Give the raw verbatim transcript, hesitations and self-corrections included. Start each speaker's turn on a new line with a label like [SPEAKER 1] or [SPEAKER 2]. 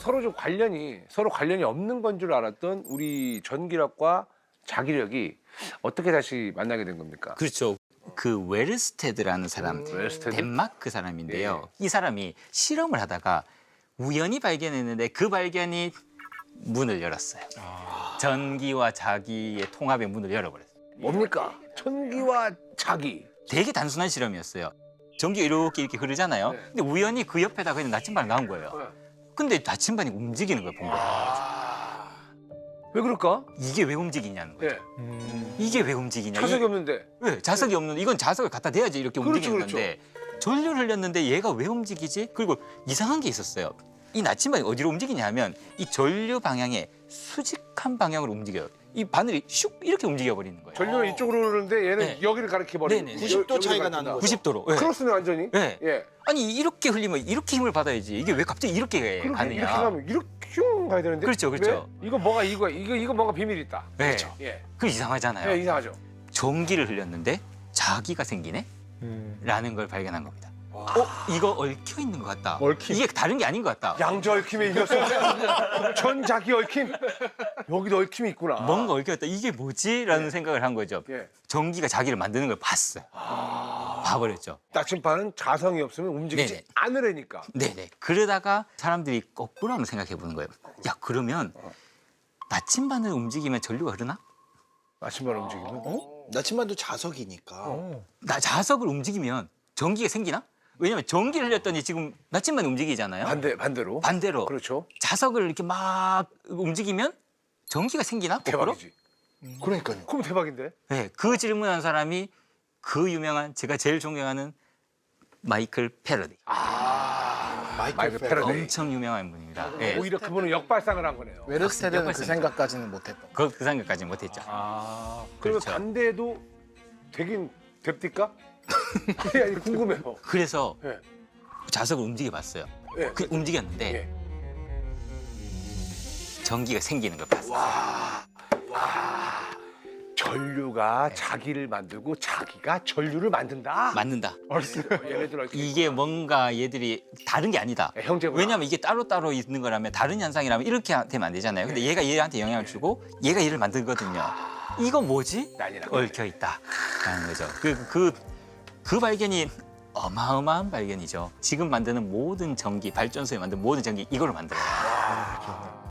[SPEAKER 1] 서로 좀 관련이 서로 관련이 없는 건 줄 알았던 우리 전기력과 자기력이 어떻게 다시 만나게 된 겁니까?
[SPEAKER 2] 그렇죠. 그 웨르스테드라는 사람,
[SPEAKER 1] 웨르스테드?
[SPEAKER 2] 덴마크 사람인데요.
[SPEAKER 1] 예.
[SPEAKER 2] 이 사람이 실험을 하다가 우연히 발견했는데 그 발견이 문을 열었어요. 전기와 자기의 통합의 문을 열어버렸어요.
[SPEAKER 1] 뭡니까? 전기와 자기.
[SPEAKER 2] 되게 단순한 실험이었어요. 전기가 이렇게 이렇게 흐르잖아요.
[SPEAKER 1] 네.
[SPEAKER 2] 근데 우연히 그 옆에다가 그냥 나침반을 놔온 거예요. 근데 나침반이 움직이는 걸 본 거예요.
[SPEAKER 1] 왜 그럴까?
[SPEAKER 2] 이게 왜 움직이냐는 거예요.
[SPEAKER 1] 예.
[SPEAKER 2] 이게 왜 움직이냐.
[SPEAKER 1] 자석이
[SPEAKER 2] 이-
[SPEAKER 1] 없는데.
[SPEAKER 2] 왜? 자석이 없는데 이건 자석을 갖다 대야지 이렇게
[SPEAKER 1] 그렇죠,
[SPEAKER 2] 움직이는
[SPEAKER 1] 그렇죠.
[SPEAKER 2] 건데 전류를 흘렸는데 얘가 왜 움직이지? 그리고 이상한 게 있었어요. 이 나침반이 어디로 움직이냐 하면 이 전류 방향에 수직한 방향으로 움직여요. 이 바늘이 슉 이렇게 움직여 버리는 거예요.
[SPEAKER 1] 전류는 이쪽으로 흐르는데 얘는
[SPEAKER 2] 네.
[SPEAKER 1] 여기를 가리켜 버리고
[SPEAKER 2] 네네.
[SPEAKER 3] 구십 도 차이가 나는 거죠.
[SPEAKER 2] 구십 도로. 예.
[SPEAKER 1] 크로스네 완전히.
[SPEAKER 2] 예.
[SPEAKER 1] 예.
[SPEAKER 2] 아니 이렇게 흘리면 이렇게 힘을 받아야지. 이게 왜 갑자기 이렇게
[SPEAKER 1] 그렇게
[SPEAKER 2] 가느냐.
[SPEAKER 1] 이렇게 가면 이렇게 슝 가야 되는데.
[SPEAKER 2] 그렇죠, 그렇죠.
[SPEAKER 1] 왜? 이거 뭐가 이거 이거 이거 뭔가 비밀이 있다.
[SPEAKER 2] 네.
[SPEAKER 1] 그렇죠. 예.
[SPEAKER 2] 그 이상하잖아요.
[SPEAKER 1] 예, 이상하죠.
[SPEAKER 2] 전기를 흘렸는데 자기가 생기네? 라는 걸 발견한 겁니다. 어? 이거 얽혀 있는 것 같다.
[SPEAKER 3] 얽힘.
[SPEAKER 2] 이게 다른 게 아닌 것 같다.
[SPEAKER 1] 양자 얽힘에 이겼어. 전자기 얽힘. 여기도 얽힘이 있구나.
[SPEAKER 2] 뭔가 얽혀 있다. 이게 뭐지? 라는 생각을 한 거죠.
[SPEAKER 1] 예.
[SPEAKER 2] 전기가 자기를 만드는 걸 봤어요. 봐버렸죠.
[SPEAKER 1] 나침반은 자성이 없으면 움직이지
[SPEAKER 2] 네네.
[SPEAKER 1] 않으려니까.
[SPEAKER 2] 네네. 그러다가 사람들이 거꾸로 한번 생각해 보는 거예요. 야, 그러면 나침반을 움직이면 전류가 흐르나?
[SPEAKER 1] 나침반 움직이면.
[SPEAKER 3] 어? 나침반도 자석이니까.
[SPEAKER 2] 나 자석을 움직이면 전기가 생기나? 왜냐면 전기를 흘렸더니 지금 나침반이 움직이잖아요.
[SPEAKER 1] 반대 반대로.
[SPEAKER 2] 반대로
[SPEAKER 1] 그렇죠.
[SPEAKER 2] 자석을 이렇게 막 움직이면 전기가 생기나? 거꾸로?
[SPEAKER 1] 대박이지.
[SPEAKER 3] 그러니까요.
[SPEAKER 1] 그럼 대박인데.
[SPEAKER 2] 네, 그 질문한 사람이 그 유명한 제가 제일 존경하는 마이클 패러디.
[SPEAKER 3] 마이클
[SPEAKER 1] 마이클
[SPEAKER 3] 페러.
[SPEAKER 1] 패러데이.
[SPEAKER 2] 엄청 유명한 분입니다. 네,
[SPEAKER 1] 오히려 그분은 역발상을 한 거네요.
[SPEAKER 3] 웨르스테드는 그
[SPEAKER 2] 역발상이죠.
[SPEAKER 3] 생각까지는 못했던.
[SPEAKER 2] 그, 그 생각까지 못했죠.
[SPEAKER 1] 아. 그러면
[SPEAKER 2] 그렇죠.
[SPEAKER 1] 반대도 되긴 됩니까? 아니, 아니 궁금해요.
[SPEAKER 2] 그래서
[SPEAKER 1] 예.
[SPEAKER 2] 자석을 움직여봤어요.
[SPEAKER 1] 예.
[SPEAKER 2] 그 움직였는데
[SPEAKER 1] 예.
[SPEAKER 2] 전기가 생기는 걸 봤어요.
[SPEAKER 1] 전류가 자기를 만들고 자기가 전류를 만든다.
[SPEAKER 2] 맞는다.
[SPEAKER 1] 얘네들 얽힌.
[SPEAKER 2] 이게 뭔가 얘들이 다른 게 아니다.
[SPEAKER 1] 예, 형제구나.
[SPEAKER 2] 왜냐하면 이게 따로따로 있는 거라면 다른 현상이라면 이렇게 되면 안 되잖아요. 근데 얘가 얘한테 영향을 주고 얘가 얘를 만들거든요. 이거 뭐지?
[SPEAKER 1] 난리 났네.
[SPEAKER 2] 얽혀 있다라는 거죠. 그, 그, 그 발견이 어마어마한 발견이죠. 지금 만드는 모든 전기, 발전소에 만든 모든 전기 이걸로 만들어요.